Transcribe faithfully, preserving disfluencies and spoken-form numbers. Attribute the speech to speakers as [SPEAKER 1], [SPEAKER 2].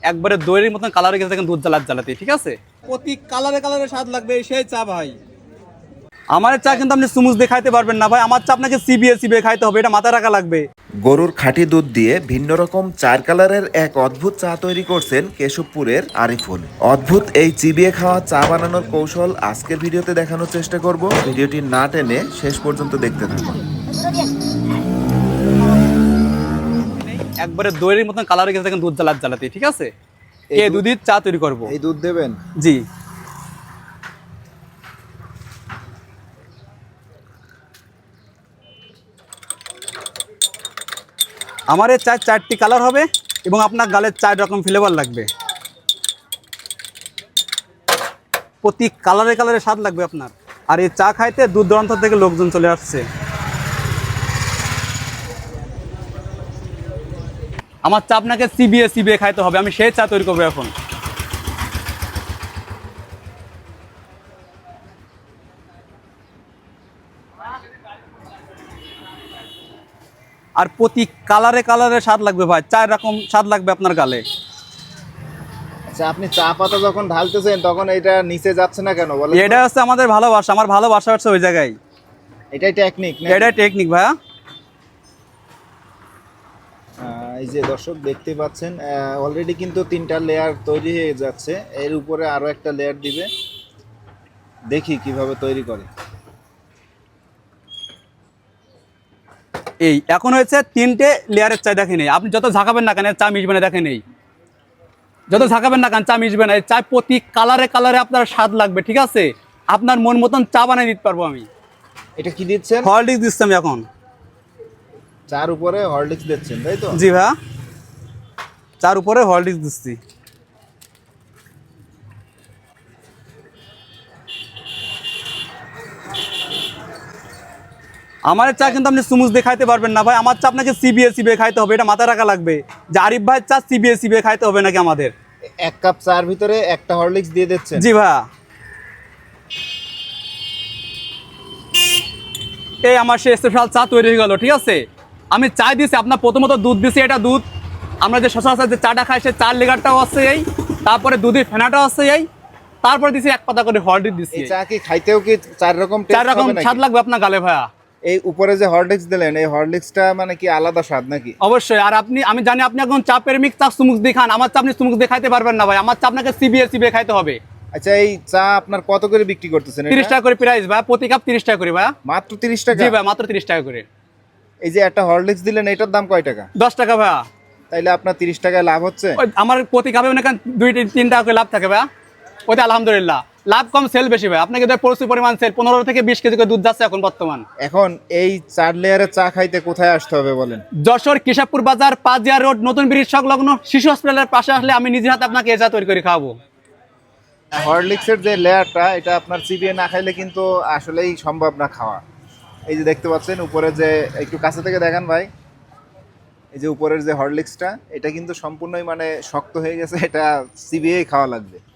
[SPEAKER 1] একবারে দইয়ের মতন কালারে গেছে দেখেন দুধ জ্বালাত জ্বালাতে, ঠিক আছে?
[SPEAKER 2] প্রতি কালারে কালারে স্বাদ লাগবে সেই চা ভাই।
[SPEAKER 1] আমার চা কিন্তু আপনি সুমুজ দিয়ে খাইতে পারবেন না ভাই, আমার চা আপনাকে চিবিয়ে চিবিয়ে খাইতে হবে, এটা মাথায় রাখা লাগবে।
[SPEAKER 3] গরুর খাঁটি দুধ দিয়ে ভিন্ন রকম চার কালারের এক অদ্ভুত চা তৈরি করছেন কেশবপুরের আরিফুল। অদ্ভুত এই চিবিয়ে খাওয়া চা বানানোর কৌশল আজকের ভিডিওতে দেখানোর চেষ্টা করব। ভিডিওটি না টেনে শেষ পর্যন্ত দেখতে থাকুন।
[SPEAKER 1] একবারে দইয়ের মতন কালারে গেছে দেখেন দুধ জ্বালাত জ্বালাতে, ঠিক আছে? এই দুধের চা তৈরি করব।
[SPEAKER 2] এই দুধ দেবেন?
[SPEAKER 1] জি। আমার এই চার চারটি কালার হবে এবং আপনার গালের চার রকম ফ্লেভার লাগবে, প্রতি কালারে কালারে স্বাদ লাগবে আপনার। আর এই চা খাইতে দূর দূরান্ত থেকে লোকজন চলে আসছে। আমার চা আপনাকে চিবিয়ে চিবিয়ে খাইতে হবে, আমি সেই চা তৈরি করবো এখন। আর প্রতি কালারে কালারে স্বাদ লাগবে ভাই, চার রকম স্বাদ লাগবে আপনার গালে।
[SPEAKER 2] আচ্ছা, আপনি চা পাতা যখন ঢালতেছেন তখন এটা নিচে যাচ্ছে না কেন বলেন?
[SPEAKER 1] এটা হচ্ছে আমাদের ভালোবাসা, আমার ভালোবাসা হচ্ছে ওই জায়গায়।
[SPEAKER 2] এটাই টেকনিক না?
[SPEAKER 1] এটাই টেকনিক ভাইয়া।
[SPEAKER 2] এই যে দর্শক দেখতে পাচ্ছেন অলরেডি কিন্তু তিনটা লেয়ার তৈরি হয়ে যাচ্ছে, এর উপরে আরো একটা লেয়ার দিবে। দেখি কিভাবে তৈরি করে।
[SPEAKER 1] এই এখন হয়েছে তিনটে লেয়ারের চা, দেখে নেই আপনি যত ঝাঁকাবেন না কেন চা মিশবে না, দেখে নেই যত ঝাঁকাবেন না কেন চা মিশবে না। এই চা প্রতি কালারে কালারে আপনার স্বাদ লাগবে, ঠিক আছে? আপনার মন মতন চা বানিয়ে দিতে পারবো আমি।
[SPEAKER 2] এটা কি দিচ্ছেন?
[SPEAKER 1] হরলিক্স দিচ্ছি আমি এখন।
[SPEAKER 2] চার উপরে হরলিক্স দিচ্ছেন তাই তো?
[SPEAKER 1] জি ভাইয়া, চার উপরে হরলিক্স দিচ্ছি। আমার চা কিন্তু আপনি সুমুজ দিয়ে খাইতে পারবেন না ভাই, আমার চা আপনাকে চিবিয়ে চিবিয়ে খাইতে হবে, এটা মাথায় রাখা লাগবে যে আরিফ ভাইয়ের চা চিবিয়ে চিবিয়ে খাইতে হবে নাকি আমাদের।
[SPEAKER 2] এক কাপ চার ভিতরে একটা হরলিক্স দিয়ে দিচ্ছেন?
[SPEAKER 1] জি ভাইয়া। এই আমার সে স্পেশাল চা তৈরি হয়ে গেল, ঠিক আছে? আমি চা দিয়েছি, আপনার প্রথমত দুধ দিয়েছি, এটা দুধ আমরা যে সচরাচর যে চাটা খাই সে চার লেগারটাও আছে এই, তারপরে দুধের ফেনাটাও আছে এই, তারপরে দিয়েছি এক পাতা করে হরলিক্স দিচ্ছি।
[SPEAKER 2] এই চা কি খাইতেও কি চার রকম
[SPEAKER 1] চার রকম স্বাদ লাগবে আপনার গালে ভাইয়া।
[SPEAKER 2] এই উপরে যে হরলিক্স দিলেন এই হরলিক্সটা মানে কি আলাদা স্বাদ নাকি?
[SPEAKER 1] অবশ্যই। আর আপনি, আমি জানি আপনি এখন চা প্রেমিক, চা সুমুক দিয়ে খান, আমার চা আপনি সুমুক দিয়ে খাইতে পারবেন না ভাই, আমার চা আপনাকে চিবিয়ে চিবিয়ে খাইতে হবে।
[SPEAKER 2] আচ্ছা, এই চা আপনার কত করে বিক্রি করতেছেন?
[SPEAKER 1] তিরিশ টাকা করে প্রাইস ভাই, প্রতি কাপ তিরিশ টাকা করে ভাই।
[SPEAKER 2] মাত্র তিরিশ টাকা?
[SPEAKER 1] জি ভাই, মাত্র তিরিশ টাকা করে।
[SPEAKER 2] এই যে একটা হরলিক্স দিলেন এটার দাম কয় টাকা?
[SPEAKER 1] দশ টাকা ভাইয়া।
[SPEAKER 2] তাইলে আপনার তিরিশ টাকায় লাভ হচ্ছে?
[SPEAKER 1] আমার প্রতি কাপে মনে করেন দুই তিন টাকা করে লাভ থাকে ভাইয়া, ওইটা আলহামদুলিল্লাহ। লাভ কম, সেল বেশি ভাই, আপনাকে প্রচুর পরিমাণ সেল, পনেরো থেকে বিশ কেজি করে দুধ যাচ্ছে এখন বর্তমান।
[SPEAKER 2] এখন এই চার লেয়ারের চা খাইতে কোথায় আসতে হবে বলেন?
[SPEAKER 1] যশোর কেশবপুর বাজার, পাঁচজিয়া রোড, নতুন ব্রিজ সংলগ্ন শিশু হসপিটালের পাশে আসলে আমি নিজের হাতে আপনাকে এই চা তৈরি করে খাওয়াবো।
[SPEAKER 2] হরলিক্সের যে লেয়ারটা এটা আপনার চিবিয়ে না খাইলে কিন্তু আসলেই সম্ভব না খাওয়া। এই যে দেখতে পাচ্ছেন উপরে যে, একটু কাছে থেকে দেখান ভাই, এই যে উপরের যে হরলিক্সটা এটা কিন্তু সম্পূর্ণই মানে শক্ত হয়ে গেছে, এটা চিবিয়েই খাওয়া লাগবে।